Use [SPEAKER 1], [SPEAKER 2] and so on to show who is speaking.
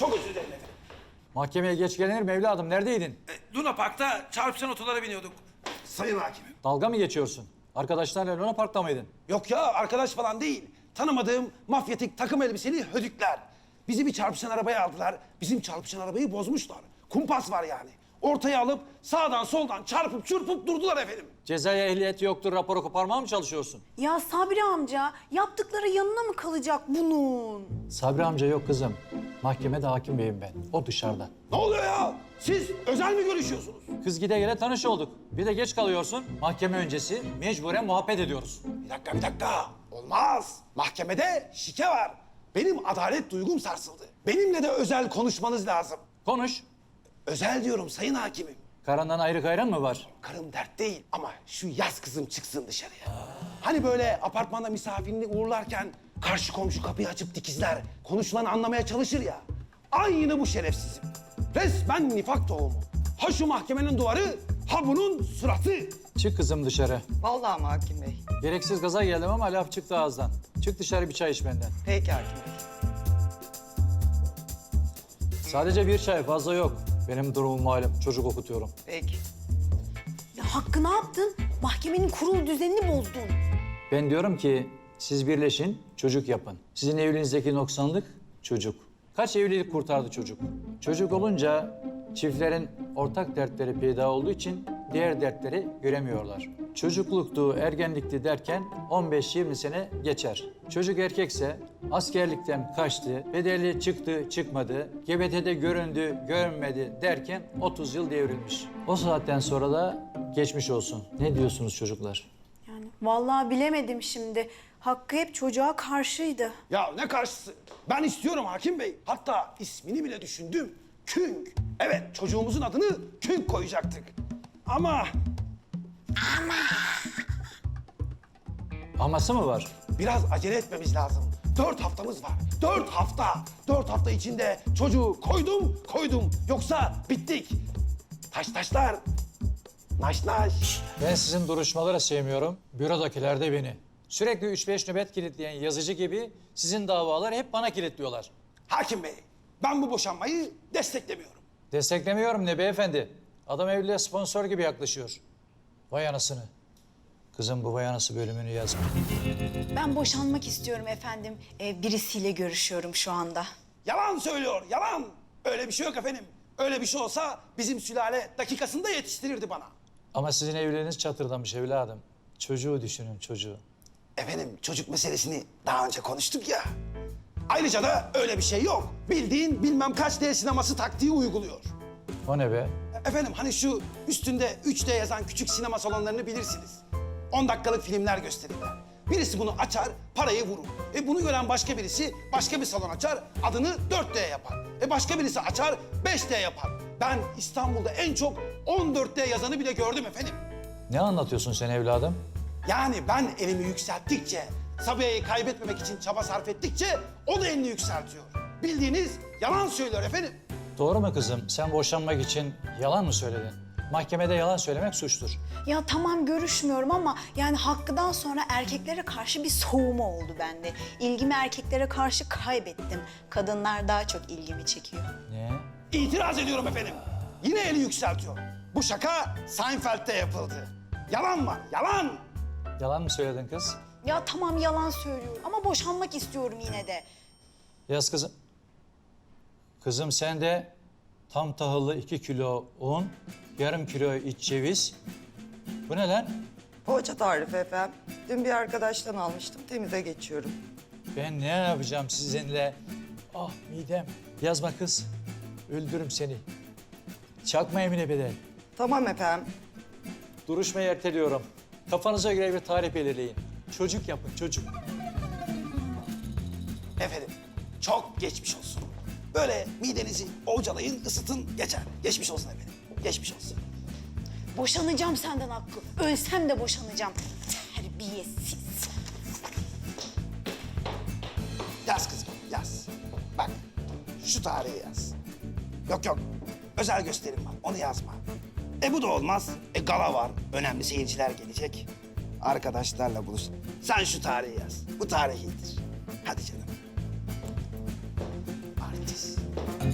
[SPEAKER 1] Çok özür dilerim efendim.
[SPEAKER 2] Mahkemeye geç gelinir mi evladım? Neredeydin?
[SPEAKER 1] Luna Park'ta çarpışan otolara biniyorduk. Sayın hakimim.
[SPEAKER 2] Dalga mı geçiyorsun? Arkadaşlarla Luna Park'ta mıydın?
[SPEAKER 1] Yok ya, arkadaş falan değil. Tanımadığım mafyatik takım elbiseli hödükler. Bizi bir çarpışan arabaya aldılar. Bizim çarpışan arabayı bozmuşlar. Kumpas var yani. Ortaya alıp sağdan soldan çarpıp çırpıp durdular efendim.
[SPEAKER 2] Cezaya ehliyeti yoktur, raporu koparmaya mı çalışıyorsun?
[SPEAKER 3] Ya Sabri amca, yaptıkları yanına mı kalacak bunun?
[SPEAKER 2] Sabri amca yok kızım. Mahkemede hakim beyim ben. O dışarıda.
[SPEAKER 1] Ne oluyor ya? Siz özel mi görüşüyorsunuz?
[SPEAKER 2] Kız gide gele tanış olduk. Bir de geç kalıyorsun. Mahkeme öncesi mecburen muhabbet ediyoruz.
[SPEAKER 1] Bir dakika. Olmaz. Mahkemede şike var. Benim adalet duygum sarsıldı. Benimle de özel konuşmanız lazım.
[SPEAKER 2] Konuş.
[SPEAKER 1] Özel diyorum sayın hakimim.
[SPEAKER 2] Karandan ayrı kayran mı var?
[SPEAKER 1] Karım dert değil ama şu yaz kızım çıksın dışarıya. Hani böyle apartmanda misafirini uğurlarken karşı komşu kapıyı açıp dikizler, konuşulanı anlamaya çalışır ya. Aynı bu şerefsizim. Resmen nifak tohumu. Ha şu mahkemenin duvarı, ha bunun suratı.
[SPEAKER 2] Çık kızım dışarı.
[SPEAKER 4] Vallahi mi hakim bey?
[SPEAKER 2] Gereksiz gaza geldim ama laf çıktı ağızdan. Çık dışarı bir çay iç benden.
[SPEAKER 4] Peki hakim bey.
[SPEAKER 2] Sadece bir çay, fazla yok. Benim durumum malum. Çocuk okutuyorum.
[SPEAKER 4] Peki.
[SPEAKER 3] Ya Hakkı ne yaptın? Mahkemenin kurul düzenini bozdun.
[SPEAKER 2] Ben diyorum ki siz birleşin, çocuk yapın. Sizin evliliğinizdeki noksanlık çocuk. Kaç evlilik kurtardı çocuk? Çocuk olunca çiftlerin ortak dertleri peyda olduğu için diğer dertleri göremiyorlar. Çocukluktu, ergenlikti derken 15-20 sene geçer. Çocuk erkekse askerlikten kaçtı, bedelli çıktı, çıkmadı, GBT'de göründü, görünmedi derken 30 yıl devrilmiş. O saatten sonra da geçmiş olsun. Ne diyorsunuz çocuklar?
[SPEAKER 3] Yani vallahi bilemedim şimdi. Hakkı hep çocuğa karşıydı.
[SPEAKER 1] Ya ne karşısı? Ben istiyorum hakim bey. Hatta ismini bile düşündüm. Künk. Evet, çocuğumuzun adını Künk koyacaktık. Ama
[SPEAKER 2] Aması mı var?
[SPEAKER 1] biraz acele etmemiz lazım. 4 haftamız var. 4 hafta. 4 hafta içinde çocuğu koydum. Yoksa bittik. Taşlar. Naş.
[SPEAKER 2] Ben sizin duruşmaları sevmiyorum. Bürodakiler de beni. Sürekli 3-5 nöbet kilitleyen yazıcı gibi sizin davalar hep bana kilitliyorlar.
[SPEAKER 1] Hakim bey, ben bu boşanmayı desteklemiyorum.
[SPEAKER 2] Desteklemiyorum ne beyefendi. Adam evliliğe sponsor gibi yaklaşıyor. Vay anasını. Kızım bu vay anası bölümünü yazma.
[SPEAKER 3] Ben boşanmak istiyorum efendim. Birisiyle görüşüyorum şu anda.
[SPEAKER 1] Yalan söylüyor, yalan. Öyle bir şey yok efendim. Öyle bir şey olsa bizim sülale dakikasında yetiştirirdi bana.
[SPEAKER 2] Ama sizin evliliğiniz çatırdamış evladım. Çocuğu düşünün çocuğu.
[SPEAKER 1] Efendim çocuk meselesini daha önce konuştuk ya. Ayrıca da öyle bir şey yok. Bildiğin bilmem kaç D sineması taktiği uyguluyor.
[SPEAKER 2] O ne be?
[SPEAKER 1] Efendim hani şu üstünde 3D yazan küçük sinema salonlarını bilirsiniz. 10 dakikalık filmler gösterirler. Birisi bunu açar, parayı vurur. Bunu gören başka birisi başka bir salon açar, adını 4D yapar. Başka birisi açar, 5D yapar. Ben İstanbul'da en çok 14D yazanı bile gördüm efendim.
[SPEAKER 2] Ne anlatıyorsun sen evladım?
[SPEAKER 1] Yani ben elimi yükselttikçe, Sabiha'yı kaybetmemek için çaba sarf ettikçe o da elini yükseltiyor. Bildiğiniz yalan söylüyor efendim.
[SPEAKER 2] Doğru mu kızım? Sen boşanmak için yalan mı söyledin? Mahkemede yalan söylemek suçtur.
[SPEAKER 3] Ya tamam görüşmüyorum ama yani Hakkı'dan sonra erkeklere karşı bir soğuma oldu bende. İlgimi erkeklere karşı kaybettim. Kadınlar daha çok ilgimi çekiyor.
[SPEAKER 2] Ne?
[SPEAKER 1] İtiraz ediyorum efendim. Yine eli yükseltiyor. Bu şaka Seinfeld'de yapıldı. Yalan var, yalan.
[SPEAKER 2] Yalan mı söyledin kız?
[SPEAKER 3] Ya tamam yalan söylüyorum ama boşanmak istiyorum yine de.
[SPEAKER 2] Yaz kızım. Kızım sen de tam tahıllı 2 kilo un, yarım kilo iç ceviz. Bu ne lan?
[SPEAKER 4] Poğaça tarifi efendim. Dün bir arkadaştan almıştım. Temize geçiyorum.
[SPEAKER 2] Ben ne yapacağım sizinle? Ah midem. Yazma kız. Öldürürüm seni. Çakma Emine Bedel.
[SPEAKER 4] Tamam efendim.
[SPEAKER 2] Duruşmayı erteliyorum. Kafanıza göre bir tarih belirleyin. Çocuk yapın çocuk.
[SPEAKER 1] Efendim, çok geçmiş olsun. Böyle midenizi ovcalayın, ısıtın, geçer. Geçmiş olsun efendim, geçmiş olsun.
[SPEAKER 3] Boşanacağım senden Hakkı. Ölsem de boşanacağım. Terbiyesiz.
[SPEAKER 1] Yaz kızım, yaz. Bak, şu tarihi yaz. Yok, özel gösterim var, onu yazma. Bu da olmaz. Gala var, önemli seyirciler gelecek. Arkadaşlarla buluş. Sen şu tarihi yaz, bu tarih iyidir. Hadi canım. Artist.